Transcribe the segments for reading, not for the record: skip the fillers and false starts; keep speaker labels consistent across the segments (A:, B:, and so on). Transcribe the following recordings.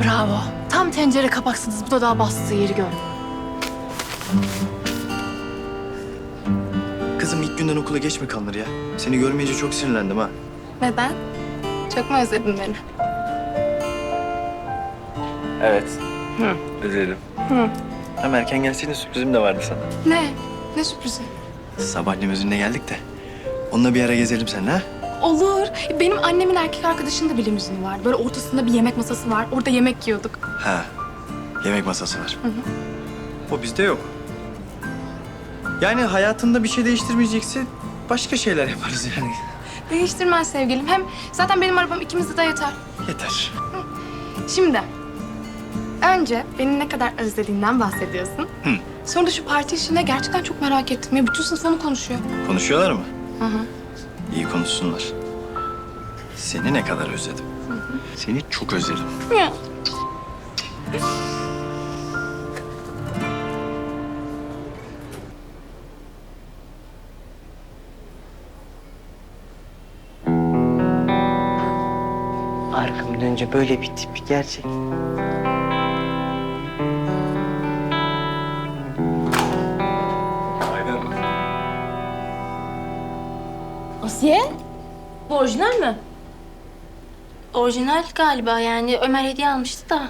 A: Bravo. Tam tencere kapaksınız. Bu da daha bastığı yeri gördüm.
B: Kızım ilk günden okula geç mi kalınır ya? Seni görmeyince çok sinirlendim ha.
A: Neden? Çok mu özledin beni?
B: Evet. Özledim. Hem erken gelseydin sürprizim de vardı sana.
A: Ne? Ne sürprizi?
B: Sabah limuzinle geldik de. Onunla bir ara gezelim seninle ha?
A: Olur. Benim annemin erkek arkadaşının da bilimüzünü var. Böyle ortasında bir yemek masası var. Orada yemek yiyorduk.
B: Ha. Yemek masası var. O bizde yok. Yani hayatında bir şey değiştirmeyecekse başka şeyler yaparız yani.
A: Değiştirmez sevgilim. Hem zaten benim arabam ikimize de yeter.
B: Yeter.
A: Şimdi önce beni ne kadar özlediğinden bahsediyorsun. Sonra da şu parti işine gerçekten çok merak ettim. Ya bütün sınıf onu konuşuyor.
B: Konuşuyorlar mı?
A: Hı hı.
B: İyi konuşsunlar. Seni ne kadar özledim. Seni çok özledim.
A: Ya.
C: Arkamı dönünce böyle bir tip gerçek.
D: Asiye? Bu orijinal mi?
E: Orijinal galiba yani Ömer hediye almıştı da.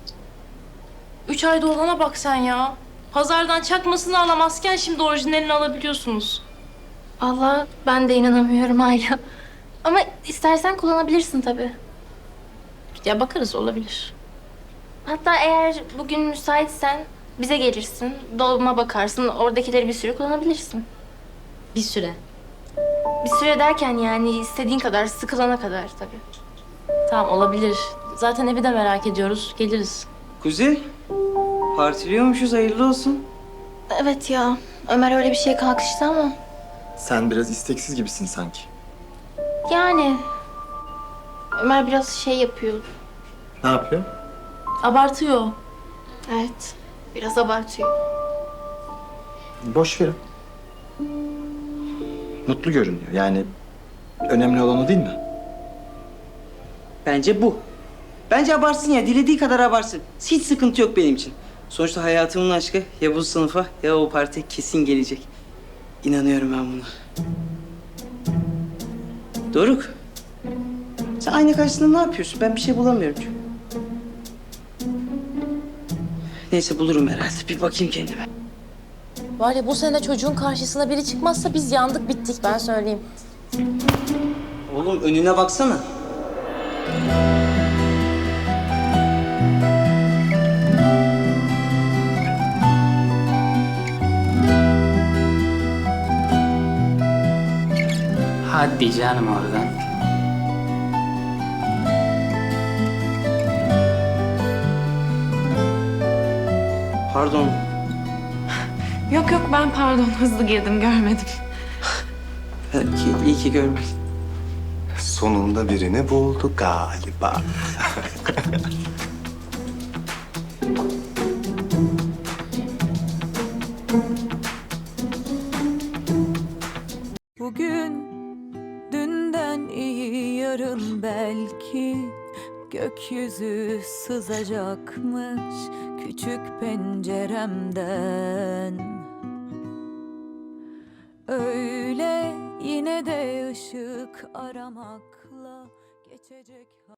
D: 3 ayda olana bak sen ya. Pazardan çakmasını alamazken şimdi orijinalini alabiliyorsunuz.
E: Allah ben de inanamıyorum hala. Ama istersen kullanabilirsin tabii.
D: Ya bakarız, olabilir.
E: Hatta eğer bugün müsaitsen bize gelirsin. Dolma bakarsın. Oradakileri bir süre kullanabilirsin.
D: Bir süre.
E: Bir süre derken yani istediğin kadar, sıkılana kadar tabii.
D: Tamam, olabilir. Zaten evi de merak ediyoruz. Geliriz.
C: Kuzey, partiliyormuşuz, hayırlı olsun.
E: Evet ya. Ömer öyle bir şeye kalkıştı ama.
B: Sen biraz isteksiz gibisin sanki.
E: Yani Ömer biraz şey yapıyor.
B: Ne yapıyor?
D: Abartıyor.
E: Evet. Biraz abartıyor.
B: Boş verin. Mutlu görünüyor. Yani önemli olan o değil mi?
C: Bence bu. Bence abarsın ya, dilediği kadar abarsın. Hiç sıkıntı yok benim için. Sonuçta hayatımın aşkı ya bu sınıfa ya o partiye kesin gelecek. İnanıyorum ben buna. Doruk, sen ayna karşısında ne yapıyorsun? Ben bir şey bulamıyorum çünkü. Neyse bulurum herhalde. Bir bakayım kendime.
D: Var ya, bu sene çocuğun karşısına biri çıkmazsa biz yandık, bittik, ben söyleyeyim.
C: Oğlum önüne baksana.
F: Hadi canım oradan.
C: Pardon.
A: Yok yok ben pardon hızlı girdim görmedim.
C: Belki iyi ki görmedim.
B: Sonunda birini buldu galiba.
G: Bugün dünden iyi, yarın belki gökyüzü sızacakmış küçük penceremden. Öyle yine de ışık aramakla geçecek.